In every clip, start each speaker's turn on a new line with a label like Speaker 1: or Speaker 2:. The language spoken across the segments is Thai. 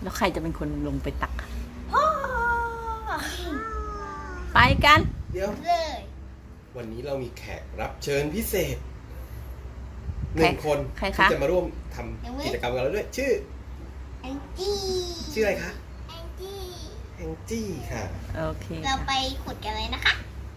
Speaker 1: แล้วใครจะเป็นคนลงไปตักไปกัน
Speaker 2: เดี๋ยว
Speaker 3: เลย
Speaker 2: วันนี้เรามีแขกรับเชิญพิเศษ1 คนที่จะมาร่วมทำกิจกรรมกับเราด้วยชื่อ
Speaker 3: แองจี้
Speaker 2: ชื่ออะไรคะ
Speaker 3: แองจี้
Speaker 2: แองจี้ค่ะ
Speaker 1: โอเค
Speaker 3: เราไปขุดกันเลยนะคะ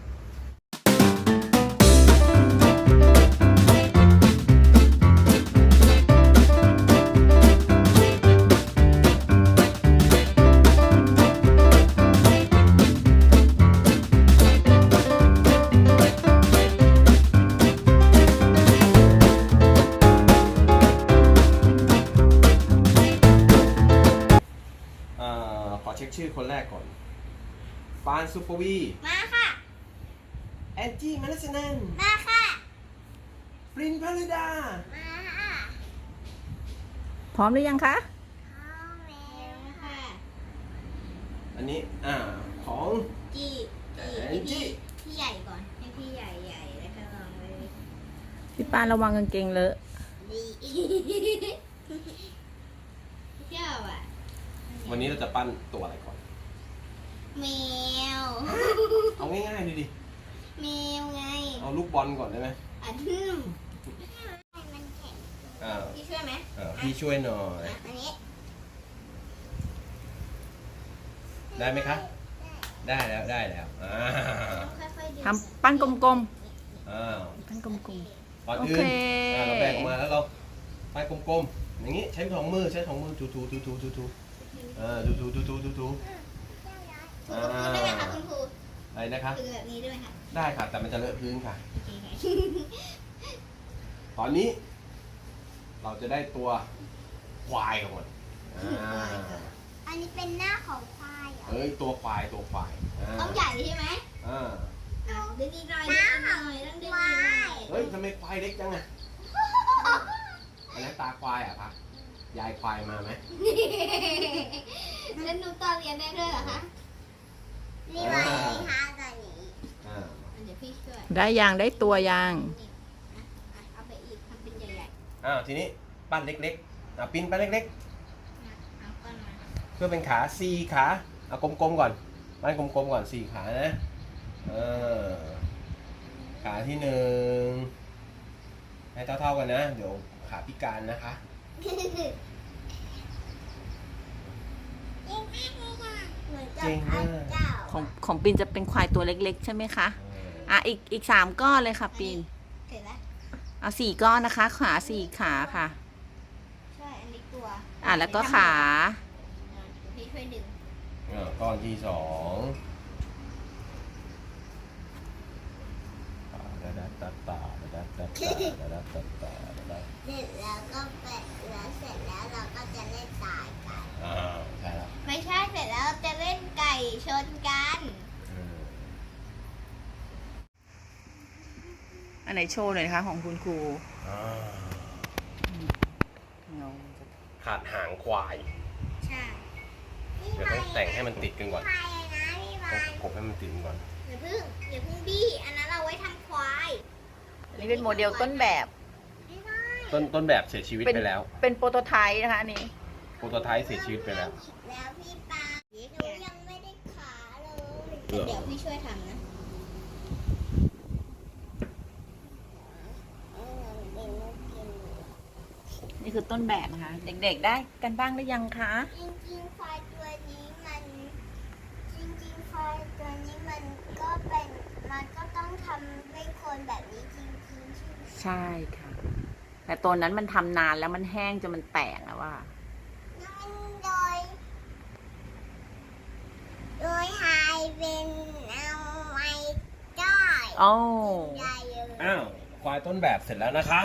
Speaker 2: ขอเช็คชื่อคนแรกก่อนฟานซูเปอร์วี
Speaker 3: มาค่ะ
Speaker 2: แอนจี้มานัสนัน
Speaker 3: มาค่ะ
Speaker 2: ปรินพาริดา
Speaker 3: มาค่ะ
Speaker 1: พร้อมหรือยังคะ
Speaker 3: พร้อมแล้วค่ะ
Speaker 2: อันนี้ของ
Speaker 3: จี้
Speaker 2: แอนจี้
Speaker 3: พี่ใหญ่ก่อนให้พี่ใหญ่แล้วก็ลองเลย
Speaker 1: พี่ปานระวังกางเกงเลอะ
Speaker 3: ดีเจ้าอ่ะ
Speaker 2: วันนี้เราจะปั้นตัวอะไรก่อน
Speaker 3: แมว
Speaker 2: เอาง่ายๆเลยดิ
Speaker 3: แมวไง
Speaker 2: เอาลูกบอลก่อนได้ไหม
Speaker 3: มันแข็งพี่ช่วยไหม
Speaker 2: พี่ช่วยหน่อย
Speaker 3: อันนี้
Speaker 2: ได้ไหมคะได้แล้ว
Speaker 1: ทำปั้นกลมๆปั้นกลม
Speaker 2: ๆก่อนอื่นเราแบ่งออกมาแล้วเราปั้นกลมๆอย่างนี้ใช้2 มือถูถูได้
Speaker 3: ไหมคะคุณครู
Speaker 2: อะไรนะคะ
Speaker 3: ถือแบบนี้ได้ไหมคะ
Speaker 2: ได้ค่ะแต่มันจะเลอะพื้นค่ะตอนนี้เราจะได้ตัวควายก่อน
Speaker 3: อันนี้เป็นหน้าของควายเหรอ
Speaker 2: ตัวควาย
Speaker 3: ต้องใหญ่ใช่ไหมดึงอีกหน่อยต้องดึงอีกหน่อย
Speaker 2: ทำไมควายเล็กจังอ่ะอันนั้นตาควายอ่ะพักยายควายมาไหม
Speaker 3: แล้วหนูต่อเรียนได้ด้วยเหรอคะนี่มาค่ะตอนนี้เดี๋ยวพี่ช่วย
Speaker 1: ได้ได้ตัวยาง
Speaker 3: เอาไปอีกทำเป็นใหญ่
Speaker 2: ๆทีนี้ปั้นเล็กๆปิ้นปั้นเล็กๆเพื่อเป็นขา4 ขาเอากลมๆก่อนปั้นกลมๆก่อน4 ขานะขาที่1ให้เท่าๆกันนะเดี๋ยวขาพิการนะคะ
Speaker 3: จริง
Speaker 1: ของปีนจะเป็นควายตัวเล็กๆใช่ไหมคะอีก3 ก้อนเลยค่ะปีนเอา4 ก้อนนะคะขา4 ขาค่ะ
Speaker 3: ใช่อันนี้ตัว
Speaker 1: แล้วก็ขา
Speaker 3: พี่ช่วยดึง
Speaker 2: ก้อนที่2เสร็จแล้ว
Speaker 3: ก็แปะแล้วเสร็จแล้วเราก็จะเล่นตายกัน
Speaker 2: ใช่แล้ว
Speaker 3: ไม่ใช่เสร็จแล้วจะเล่นไก่ชนกัน
Speaker 1: อันไหนโชว์หน่อยนะคะของคุณครู
Speaker 2: ขาดหางควาย
Speaker 3: ใช่
Speaker 2: เดี๋ยวต้องแต่งให้มันติดกันก่อนต้องกบให้มันติดก่อน
Speaker 3: อย่าเพิ่งบี้อันนั้นเราไว้ทำควาย
Speaker 1: นี่เป็นโมเดลต้นแบบ
Speaker 2: ต้นแบบเสียชีวิตไปแล้ว
Speaker 1: เป็นโปรโตไทป์นะคะอันนี้
Speaker 2: โปรโตไทป์เสียชีวิตไปแล้ว
Speaker 3: พี่ปาหนูยังไม่ได้ขาเลยเดี๋ยวพี่ช่วยทำนะ
Speaker 1: นี่คือต้นแบบนะคะเด็กๆได้กันบ้างหรือยังคะ
Speaker 3: จริงๆควายตัวนี้มันก็ต้องทำให้คนแบบนี้จริงๆ
Speaker 1: ใช่ค่ะแต่ตัวนั้นมันทำนานแล้วมันแห้งจนมันแตกอะว่า
Speaker 3: โดยหายเป็นเอาไว้ได้
Speaker 2: ควายต้นแบบเสร็จแล้วนะคะ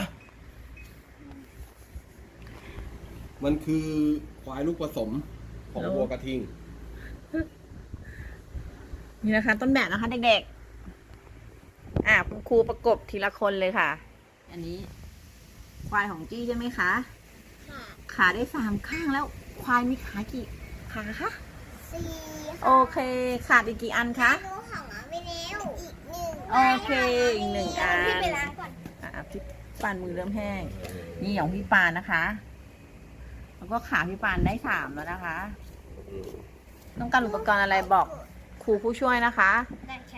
Speaker 2: มันคือควายลูกผสมของวัวกระทิง
Speaker 1: นี่นะคะต้นแบบนะคะเด็กๆคุณครูประกบทีละคนเลยค่ะอันนี้ควายของจี้ใช่ไหมคะขาได้3 ข้างแล้วควายมีขากี่ขาคะ4โอเคขาดอีกกี่อันคะโอเคอีก1 อันพี่ไปล้างก่อนพี่ปานมือเริ่มแห้งนี่ของพี่ปานนะคะโแล้วก็ขาพี่ปานได้3แล้วนะคะ
Speaker 2: อืม
Speaker 1: ต้องการอุปกรณ์อะไรบอกครูผู้ช่วยนะคะ
Speaker 3: ได้ค่ะ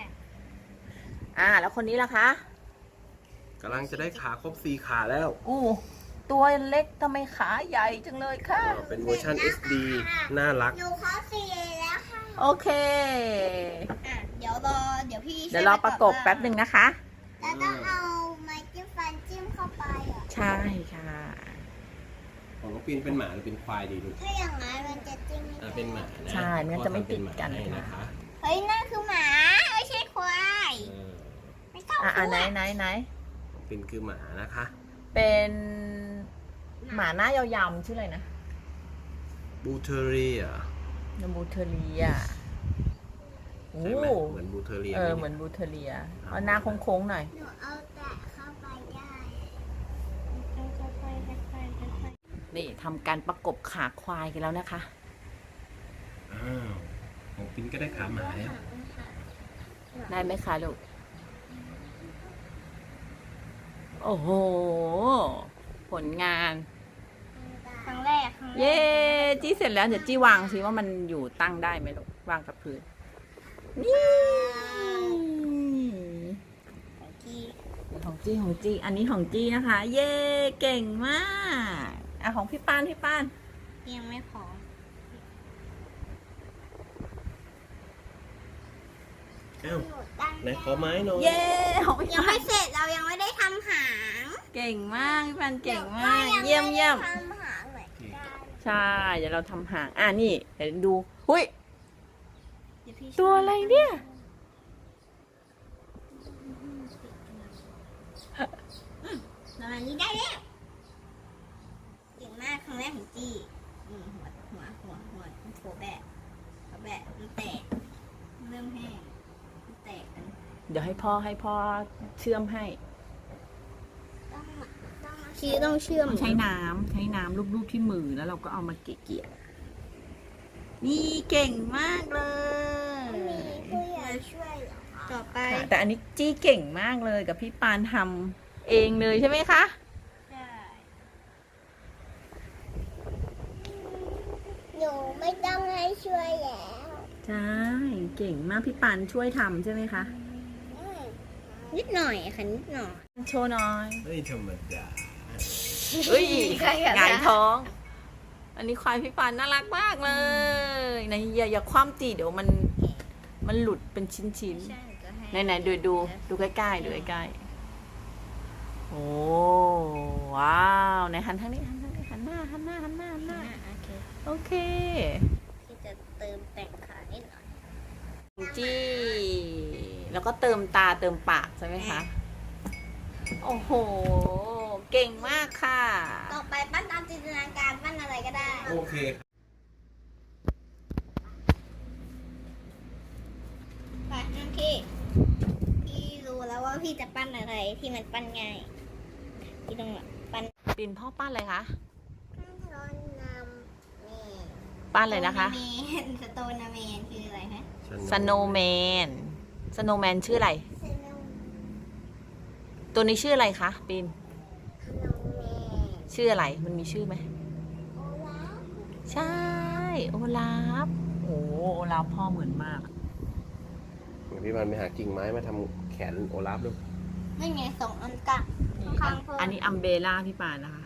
Speaker 1: แล้วคนนี้ล่ะคะ
Speaker 2: กำลังจะได้ขาครบ4ขาแล้ว
Speaker 1: อู้ตัวเล็กทำไมขาใหญ่จังเลยค่ะ
Speaker 2: เป็นเวอร์ชัน SD น่ารัก
Speaker 3: หนูเข้า4แล้วค่ะ
Speaker 1: โอเค
Speaker 3: เดี๋ยวพี่
Speaker 1: เดี๋ยวรอประกบแป๊บหนึ่งนะคะ
Speaker 3: แล้วต้องเอาไม้จิ้มฟันจิ้มเข้าไปอ่ะ
Speaker 1: ใช่ค่ะ
Speaker 2: ของน้องปินเป็นหมาหรือเป็นควายดีลูก
Speaker 3: ถ้าอย่างนั้นมันจะจิ้มไม่ได้
Speaker 2: เป็นหมานะ
Speaker 1: ใช่มันก็จะไม่ติดกัน
Speaker 2: พ่อทำเป็นหมาให้นะคะ
Speaker 3: เฮ้ยนั่นคือหมาไม่ใช่ควาย
Speaker 2: เออ
Speaker 3: ไม่ต้อง
Speaker 1: ไหน
Speaker 2: น้องปินคือหมานะคะ
Speaker 1: เป็นหมาหน้ายาวๆชื่ออะไรนะ
Speaker 2: บูเทอเรีย
Speaker 1: นบูเทเรียโอ้
Speaker 2: ใช่ไหมเหมือนบูเทอเรีย
Speaker 1: เหมือนบูเทเรียเอาหน้าโค้งๆหน่อย
Speaker 3: หนูเอาแต่เข้าไปได้ค่อยๆ
Speaker 1: นี่ทำการประกบขาควายกันแล้วนะคะ
Speaker 2: อ้าวของปินก็ได้ขาหมาแล้ว
Speaker 1: ได้ไหมคะลูก โอ้โห ผลงาน
Speaker 3: ครั้งแรก
Speaker 1: เย้จี้เสร็จแล้วเดี๋ยวจี้วางสิว่ามันอยู่ตั้งได้ไหมลูกวางกับพื้น นี่ ของจี้ อันนี้ของจี้นะคะ เย้เก่งมากของพี่ปาน
Speaker 3: ยังไม่พอ
Speaker 2: อ้าวไหนขอไม้หน่อย
Speaker 1: เย้ของพี่
Speaker 3: ยัง
Speaker 1: ปา
Speaker 3: ไม่
Speaker 1: น
Speaker 3: เสร็จเรายังไม่ได้ทำหาง
Speaker 1: เก่งมากพี่ปานเก่งมาก เยี่ยม
Speaker 3: ทำหางเหมือนกัน
Speaker 1: ใช่ เดี๋ยวเราทำหางนี่เดี๋ยวดูหุ้ย
Speaker 3: เดี๋ยพี่
Speaker 1: ตัวอะไรเนี่ย
Speaker 3: ประมาณนี้ได้แล้วเก่งมากครั้งแรกของจี้หัวแบะมันแตกเริ่มแห้งมันแตกกัน
Speaker 1: เดี๋ยวให้พ่อเชื่อมให้
Speaker 3: ชี้ต้องเชื่อม
Speaker 1: ใช้น้ำลูบๆที่มือแล้วเราก็เอามาเกี่ยๆนี่เก่งมากเลย
Speaker 3: มีผู้ใหญ่ช่วยเหรอต่อไป
Speaker 1: ค่ะแต่อันนี้จี้เก่งมากเลยกับพี่ปานทำเองเลยใช่ไหมคะ
Speaker 3: หนูไม่ต้องให้ช่วยแล้ว
Speaker 1: ใช่เก่งมากพี่ปานช่วยทำใช่ไหมคะ
Speaker 3: นิดหน่อยค่ะนิดหน่อย
Speaker 1: โชว์หน่อย
Speaker 2: เฮ้ยธรรมดา
Speaker 1: เฮ้ย
Speaker 3: ใครอะคะ
Speaker 1: หงายท้อง อันนี้ควายพี่ปานน่ารักมากเลยไหนอย่าคว่ำจีเดี๋ยวมันหลุดเป็นชิ้นๆ ไหนดูใกล้ๆดูใกล้ๆโอ้ว้าวไหนหันทางนี้หันหน้า โอเค
Speaker 3: ที่จะเติมแต่งขานิดหน่อย
Speaker 1: จี้แล้วก็เติมตาเติมปากใช่ไหมคะ โอ้โห เก่งมากค่ะ
Speaker 3: ต่อไปปั้นตามจินตนาการปั้นอะไรก็ได้
Speaker 2: โอเค
Speaker 3: ไปนั่นพี่รู้แล้วว่าพี่จะปั้นอะไรที่มันปั้นง่ายพี่ต้องปั้น
Speaker 1: ปินพ่อปั้นอะไรคะ
Speaker 3: ร้อนน้ำนี่
Speaker 1: ปั้นเลยนะคะ
Speaker 3: สโตนาเมนคืออะไรฮะ
Speaker 1: สโนว์แมนชื่ออะไร
Speaker 3: สโน
Speaker 1: ตัวนี้ชื่ออะไรคะปิน
Speaker 3: ว์แมน
Speaker 1: ชื่ออะไร มันมีชื่อไหม
Speaker 3: โอลาฟ
Speaker 1: ใช่ โอลาฟโอ้โอลาฟพ่อเหมือนมาก
Speaker 2: เดี๋ยวพี่มันไปหากิ่งไม้มาทำแขนโอลาฟดู
Speaker 3: ไม่ไงส่งอันกะข้างเพิ่ม
Speaker 1: อันนี้อัมเบล่าพี่ปานนะคะ